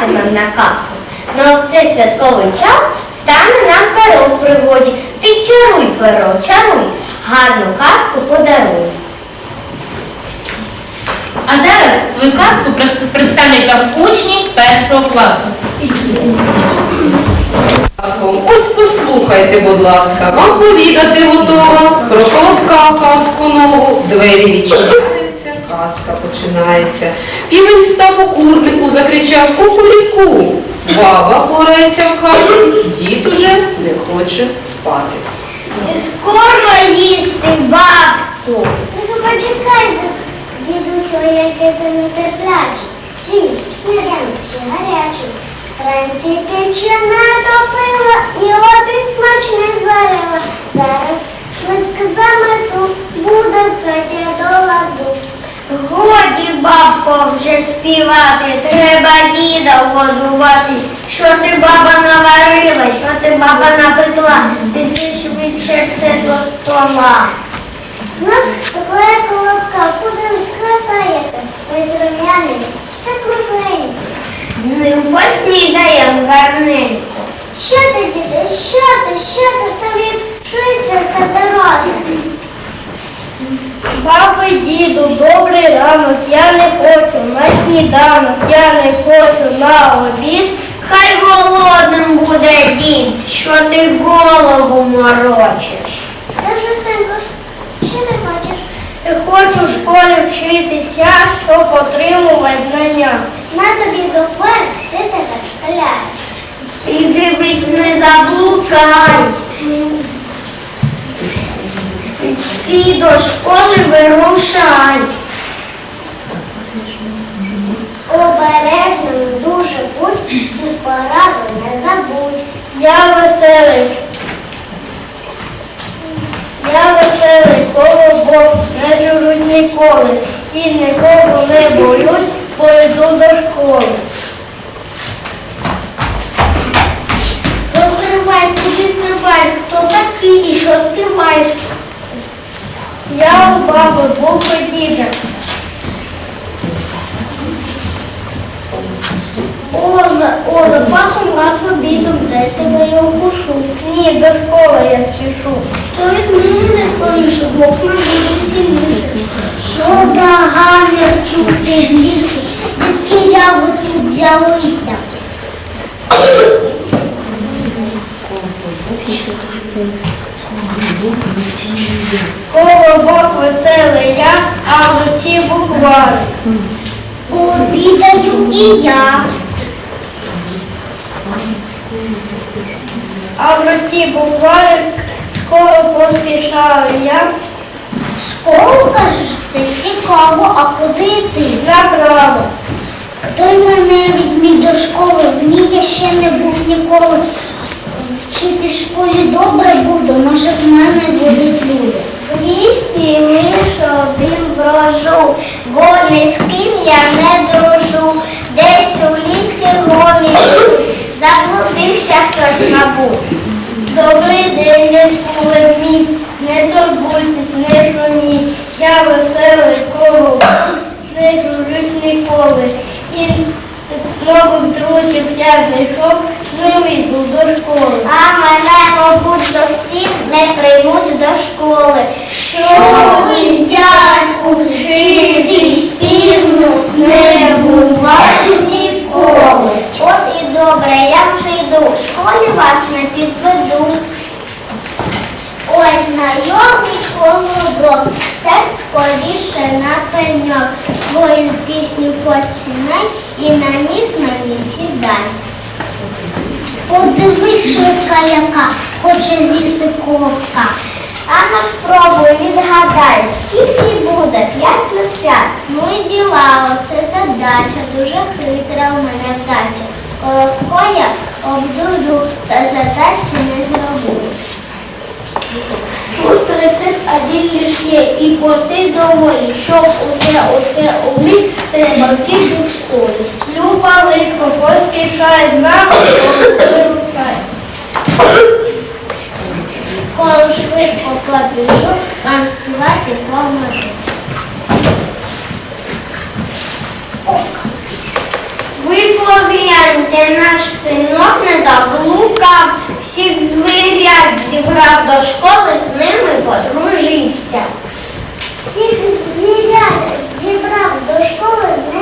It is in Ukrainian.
чекатимем на казку. Ну а в цей святковий час стане нам перо в пригоді. Ти чаруй, перо, чаруй, гарну казку подаруй. А зараз свою казку представлять вам учні 1 класу. Ось послухайте, будь ласка, вам повідати готово про колобка казку нову. Двері відчиняються, казка починається. Півень став у курнику, закричав кукуріку. Баба порається в хаті, дід уже не хоче спати. Скоро їсти, бабцю. Тільки почекайте, дідусю, який ти нетерплячий. Твій сніданок ще гарячий. Вранці печі натопила і обід смачний зварила. Зараз швидко замету, буде Петя до ладу. Годі, бабко, вже співати, треба діда годувати. Що ти, баба, наварила, що ти, баба, напекла, неси швидше це до стола. Знов спекла колобка, куди скрасаєте? Ось рум'яний, так крупненько. Ну, поснідаєм гарненько. Що ти, діти, що ти, тобі швидше все дороги. Бабо, діду, добрий ранок, я не хочу на сніданок, я не хочу на обід. Хай голодним буде дід, що ти голову морочиш. Скажи, синку, що ти хочеш? Хочу в школі вчитися, щоб отримувати знання. На тобі буквар, все тебе школяє. І дивись, не заблукай. Ти до школи вирушай. Обережним дуже будь, цю пораду не забудь. Я веселий колобок, не журуть ніколи. І нікого не боюсь, бо йду до школи. Розкривай, куди триваєш, хто такий і що співаєш? Я у баби був діда. О, запасом раз обідом, дай тебе я укушу. Ні, до школи я спішу. То візьми мене скоріше, бо нам буде сильніше. Що за гамір чути в лісі? Звідки я ви тут взялися? Колобок веселий я, а в руці буквар. Обідаю і я. А в руці букварик, скоро поспішаю я. Школу, кажеш, це цікаво, а куди йти? Направо. Той мене візьміть до школи, в ній я ще не був ніколи. Вчити в школі добре буду, може в мене будуть люди. В лісі лиш один брожу, бо ні з ким я не дружу. Десь у лісі голі, заблудився хтось, мабуть. Добрий день, дядьку Лемій, не турбуйтесь, не шуміть. Я веселий колобок, не дружусь ніколи. І нових друзів я знайшов, з ними йду до школи. А мене, мабуть, зовсім не приймуть до школи. Що ви, дядьку, вчитись пізно не буває ніколи. От і добре, я вже йду, в школі вас не підведу. Ой, знайомий колобок, сядь скоріше на пеньок, свою пісню починай і на ніс мені сідай. Подивись, швидка яка, хоче з'їсти колобка. А ну спробуй, відгадай, скільки буде 5 плюс 5? Ну і діла, оце задача, дуже хитра у мене вдача. Колобко я обдурю, та задачі не зроблю. Тут рецепт один лиш є, і простий доволі, щоб усе уміть, треба вчити в школі. Люба лисько, поспішай з нами, вирушай. Коли швидко побіжу, вам співати поможу. Ви погляньте, шукав, всіх звірят зібрав до школи, з ними подружився. Всіх звірят зібрав до школи, з